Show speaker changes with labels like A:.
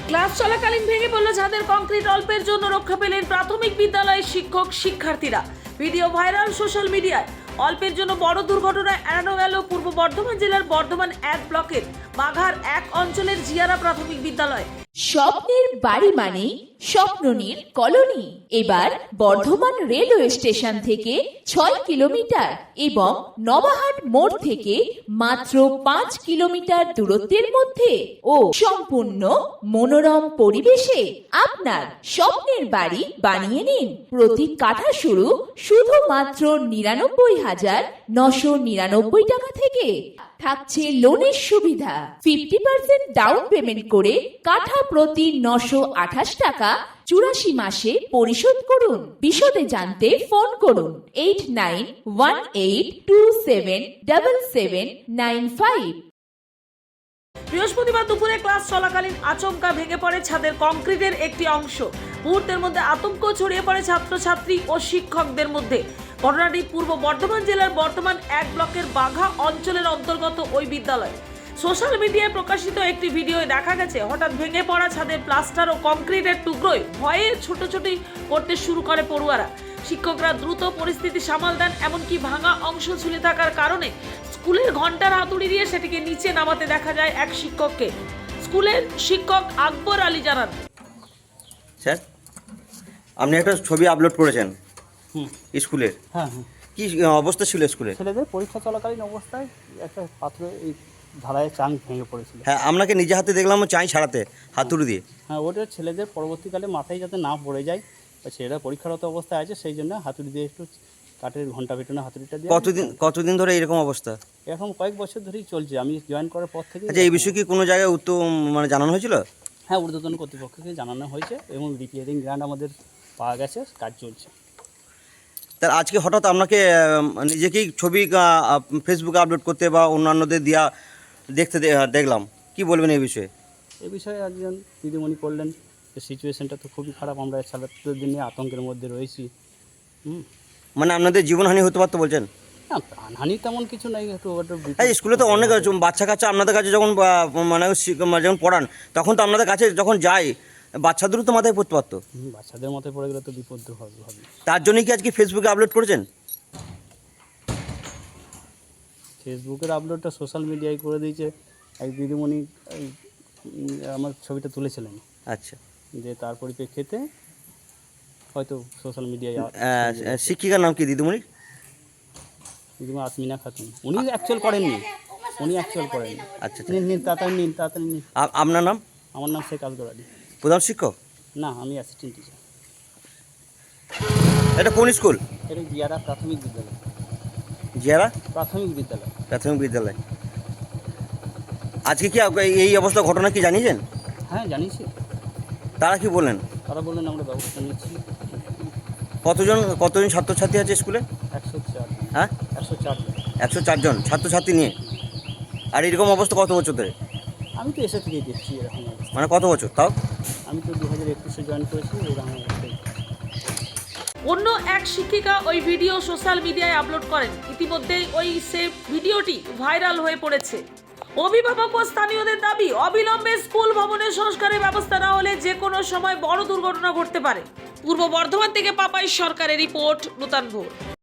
A: Class চলাকালীন ভেঙে পড়ল ছাদের কংক্রিট, অল্পের জন্য রক্ষা পেলেন প্রাথমিক বিদ্যালয়ের শিক্ষক শিক্ষার্থীরা। ভিডিও ভাইরাল সোশ্যাল মিডিয়ায়। অল্পের জন্য বড় দুর্ঘটনায় এড়ানো গেল পূর্ব বর্ধমান জেলার বর্ধমান 1 ব্লকের বাঘার 1 অঞ্চলের জিয়ারা প্রাথমিক বিদ্যালয়।
B: স্বপ্নের বাড়ি মানে স্বপ্ননীর কলোনি। এবার বর্ধমান রেলওয়ে স্টেশন থেকে 6 কিলোমিটার এবং নবাহাট মোড় থেকে মাত্র 5 কিলোমিটার দূরত্বের মধ্যে ও সম্পূর্ণ মনোরম পরিবেশে আপনার স্বপ্নের বাড়ি বানিয়ে নিন। প্রতি কাঠা শুধুমাত্র 99,999 টাকা থেকে। থাকছে লোনের সুবিধা। 50% ডাউন পেমেন্ট করে কাঠা প্রতি 928 টাকা 84 মাসে পরিশোধ করুন। বিশদে জানতে ফোন করুন 8918277795।
A: বৃহস্পতিবার দুপুরে ক্লাস চলাকালীন আচমকা ভেঙে পড়ে ছাদের কংক্রিটের একটি অংশ। মুহূর্তের মধ্যে আতঙ্ক ছড়িয়ে পড়ে ছাত্রছাত্রী ও শিক্ষকদের মধ্যে। ঘটনাটি পূর্ব বর্ধমান জেলার বর্ধমান 1 ব্লকের বাঘা অঞ্চলের অন্তর্গত ওই বিদ্যালয়। সোশ্যাল মিডিয়ায় প্রকাশিত একটি ভিডিওয় দেখা গেছে হঠাৎ ভেঙে পড়া ছাদের প্লাস্টার ও কংক্রিটের টুকরোয় ভয়ে ছোটাছুটি করতে শুরু করে পড়ুয়ারা। শিক্ষকরা দ্রুত পরিস্থিতি সামাল দেন, এমনকি ভাঙা অংশ ঝুলে থাকার কারণে স্কুলের ঘন্টার হাতুড়ি দিয়ে সেটিকে নিচে নামাতে দেখা যায় এক শিক্ষককে। স্কুলের শিক্ষক আকবর আলী জানান,
C: স্যার আপনি একটা ছবি আপলোড করেছেন স্কুলের।
D: হ্যাঁ,
C: কি অবস্থা ছিল স্কুলে?
D: ছেলেদের পরীক্ষা চলাকালীন অবস্থায় একটা পাত্র এই ঢালাইয়ের চাং ভেঙে পড়েছিল।
C: হ্যাঁ, আপনাকে নিজে হাতে দেখলাম চাই ছাড়াতে হাতুড়ি দিয়ে।
D: হ্যাঁ, ওটা ছেলেদের পরবর্তীকালে মাথায় যাতে না পড়ে যায়, ছেলেরা পরীক্ষারত অবস্থায় আছে, সেই জন্য হাতুড়ি দিয়ে একটু কাঠের ঘন্টা পেটানো হাতুড়িটা দিয়ে।
C: কতদিন ধরে এরকম অবস্থা?
D: এরকম কয়েক বছর ধরেই চলছে, আমি জয়েন করার পর থেকে।
C: আচ্ছা, এই বিষয়ে কি কোনো জায়গায় মানে জানানো হয়েছিল?
D: হ্যাঁ, ঊর্ধ্বতন কর্তৃপক্ষকে জানানো হয়েছে এবং রিপেয়ারিং গ্রান্ট আমাদের পাওয়া গেছে, কাজ চলছে।
C: তার আজকে হঠাৎ আপনাকে নিজেকেই ছবি ফেসবুকে আপলোড করতে বা অন্যান্যদের দিয়া দেখতে দেখলাম, কি বলবেন এই বিষয়ে?
D: এই বিষয়ে একজন দিদিমণি করলেন যে সিচুয়েশনটা তো খুবই খারাপ, আমরা ছাত্রদের নিয়ে আতঙ্কের মধ্যে রয়েছি।
C: মানে আপনাদের জীবনহানি হতে পারতো বলছেন?
D: না, প্রাণহানি তেমন কিছু নাই।
C: স্কুলে তো অনেক বাচ্চা কাচ্চা আপনাদের কাছে যখন মানে যখন পড়ান, তখন তো আপনাদের কাছে যখন যায় বাচ্চাদেরও তো মাথায় পড়তে পারতো।
D: বাচ্চাদের মাথায় পড়ে গেলে তো বিপদ হবে।
C: তার জন্যই কি আজকে ফেসবুকে আপলোড করেছেন?
D: ফেসবুকের আপলোডটা সোশ্যাল মিডিয়ায় করে দিয়েছে এক দিদিমণি, আমার ছবিটা তুলেছিলেন।
C: আচ্ছা,
D: যে তার পরিপ্রেক্ষিতে হয়তো সোশ্যাল মিডিয়ায়।
C: শিক্ষিকার নাম কি দিদিমণি?
D: দিদিমা আসমিনা খাতুন। উনি অ্যাকচুয়াল করেননি।
C: আচ্ছা,
D: নিন তাড়াতাড়ি নিন।
C: আপনার নাম?
D: আমার নাম শেখ আকবর আলী।
C: প্রধান শিক্ষক?
D: না, আমি অ্যাসিস্ট্যান্ট টিচার।
C: এটা কোন স্কুল?
D: এটা জিয়ারা প্রাথমিক বিদ্যালয়।
C: জিয়ারা
D: প্রাথমিক বিদ্যালয়।
C: আজকে কি এই অবস্থা ঘটনা কি জানিয়েছেন?
D: হ্যাঁ, জানিয়েছি।
C: তারা কি বললেন?
D: তারা বললেন আমরা ব্যবস্থা নিচ্ছি।
C: কতজন ছাত্রছাত্রী আছে স্কুলে?
D: 104।
C: হ্যাঁ, 104 জন ছাত্রছাত্রী নিয়ে। আর এরকম অবস্থা কত বছর ধরে?
D: আমি তো এসে থেকেই দেখছি এরকম অবস্থা।
C: মানে কত বছর তাও?
D: আমি তো 2021-এ জয়েন করেছি। এরকম
A: অন্য এক শিক্ষিকা ওই ভিডিও সোশ্যাল মিডিয়ায় আপলোড করেন। ইতিমধ্যেই ওই ভিডিওটি ভাইরাল হয়ে পড়েছে। অভিভাবক ও স্থানীয়দের দাবি, অবিলম্বে স্কুল ভবনের সংস্কারের ব্যবস্থা না হলে যে কোনো সময় বড় দুর্ঘটনা ঘটতে পারে। পূর্ব বর্ধমান থেকে পাপাই সরকারের রিপোর্ট, নূতন ভোর।